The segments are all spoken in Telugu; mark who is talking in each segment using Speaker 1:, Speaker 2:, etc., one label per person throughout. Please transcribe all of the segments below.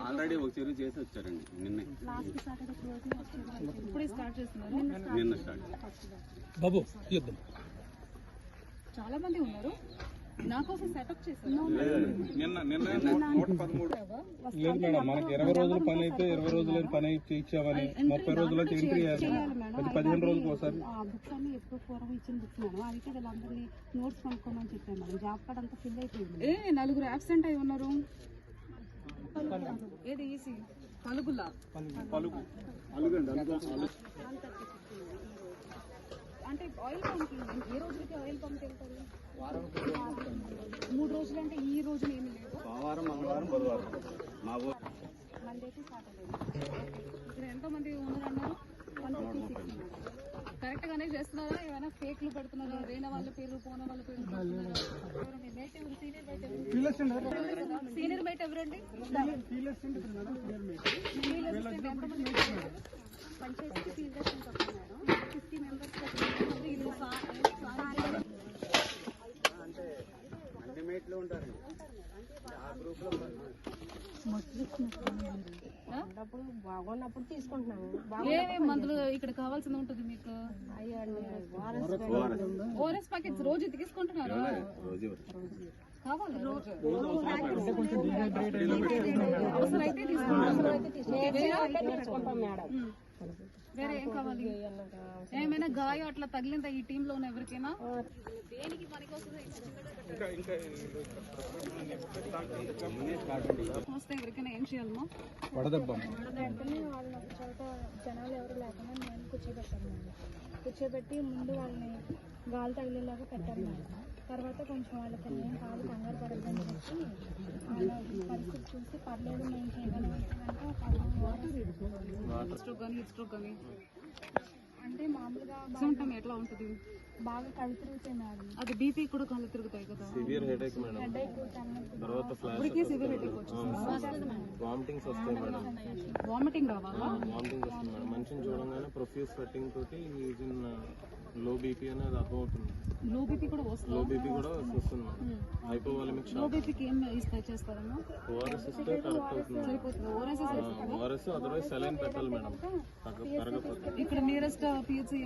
Speaker 1: ఆల్రెడీ ఒక చెరువు చేసి వచ్చారండి నిన్న స్టార్ట్
Speaker 2: బాబు యుద్ధం
Speaker 3: చాలా మంది ఉన్నారు. నా కోసం సెటప్ చేశారు.
Speaker 1: నిన్న 113
Speaker 2: లేదు మేడం, మనకి 20 రోజుల పని అయితే 20 రోజుల పని ఇచ్చామని 30 రోజులకి ఎంట్రీ చేయాలి. 15 రోజులకు ఒకసారి
Speaker 3: బుక్స్ అన్ని ఎప్పుడు పూర్వం ఇచ్చిన బుక్స్ మేడం. అందుకే వీళ్ళందరినీ నోట్స్ కొనుక్కోమని చెప్పాను మేడం. జాబ్ కార్డ్ అంతా ఫిల్ అయిపోయింది. 4 అబ్సెంట్ అయి ఉన్నారు. ఏది ఈసీ పలుగు అంటే ఆయిల్ పంప్ ఏ రోజులకి ఆయిల్ పంప్ వెళ్తారు? 3 రోజులు అంటే ఈ రోజు ఏమి లేదు.
Speaker 1: సోమవారం మంగళవారం బుధవారం
Speaker 3: మండేకి సాటర్డే. ఇక్కడ ఎంతో మంది ఉన్నారన్నారు. 156 కరెక్ట్ గానే చేస్తున్నారా? ఏమైనా ఫేక్లు పెడుతున్నారా? వేరే వాళ్ళ పేర్లు పోన వాళ్ళ పేర్లు సీనియర్ మేట్ ఎవరండి? Panchayat field assistant madam. 50 members
Speaker 4: బాగున్నప్పుడు తీసుకుంటున్నాము.
Speaker 3: ఏమేమి మందులు ఇక్కడ కావాల్సింది ఉంటుంది మీకు? ఓఆర్ఎస్ ప్యాకెట్స్ రోజు తీసుకుంటున్నారా? కావాలి అవసరమైతే
Speaker 4: తీసుకుంటాం మేడం.
Speaker 3: వేరే ఏం కావాలి? ఏమైనా గాయం అట్లా తగిలిందా ఈ టీమ్ లో ఉన్న ఎవరికైనా? దేనికి పనికొస్తుంది? వస్తే ఎవరికైనా ఏం చేయాలమ్మా?
Speaker 4: వాళ్ళని ఒక చోట జనాలు ఎవరు లేకుండా నేను కూర్చోబెట్టాను. కూర్చోబెట్టి ముందు వాళ్ళని గాలి తగిలేలాగా పెట్టాను. తర్వాత కొంచెం వాళ్ళకి ఏం కాదు, కంగారు పడద్దని చెప్పి వాళ్ళ పరిస్థితి చూసి పర్లేదు మేము చేయగలమంటే అంటే మామూలుగా
Speaker 3: సిమ్టమ్ ఎట్లా ఉంటుంది?
Speaker 4: బాగా కళ్ళు తిరుగుతాయి మేడం.
Speaker 3: అది బీపీ కూడా కళ్ళు తిరుగుతాయి కదా.
Speaker 5: సివియర్ హెడేక్ మేడం, తర్వాత
Speaker 3: ఇప్పటికే సివియర్ హెడేక్ వచ్చింది.
Speaker 5: వామిటింగ్స్ వస్తాయి మేడం.
Speaker 3: వామిటింగ్ రావాలా?
Speaker 5: వామిటింగ్ వస్తుంది మేడం. మనిషిని చూడంగానే ప్రొఫ్యూస్ స్వెట్టింగ్ తోటి లో బీపీ అనేది అర్థమవుతుంది.
Speaker 3: లో బీపీ కూడా వస్తుంది.
Speaker 5: లో బీపీ కూడా వస్తుంది మేడం. హైపోవాలమిక్
Speaker 3: లో బీపీకి ఏం చేస్తారమ్మా?
Speaker 5: ఓఆర్ఎస్ ఇస్తే కరెక్ట్ అవుతుంది. ఓఆర్ఎస్ అదర్వైజ్ సెలైన్ పెట్టాలి మేడం.
Speaker 3: ఇక్కడ నియరెస్ట్ పిహెచ్సి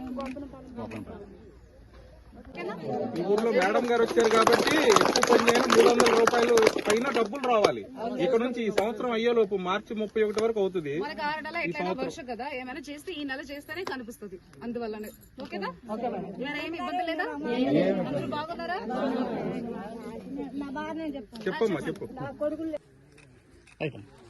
Speaker 2: ఈ ఊర్లో మేడం గారు వచ్చారు కాబట్టి ఎక్కువ పని చేయని 300 రూపాయలు పైన డబ్బులు రావాలి. ఇక్కడ నుంచి ఈ సంవత్సరం అయ్యేలోపు మార్చి 31 వరకు అవుతుంది.
Speaker 3: మనకి 6 నెలలు ఎట్లయినా వర్షం కదా, ఏమైనా చేస్తే ఈ నెల చేస్తేనే కనిపిస్తుంది. అందువల్లనే ఓకేనా? ఏమి ఇబ్బంది లేదా? అందరూ బాగున్నారా?
Speaker 4: నా బాగా నేను చెప్తాను.
Speaker 2: చెప్పమ్మా చెప్పు.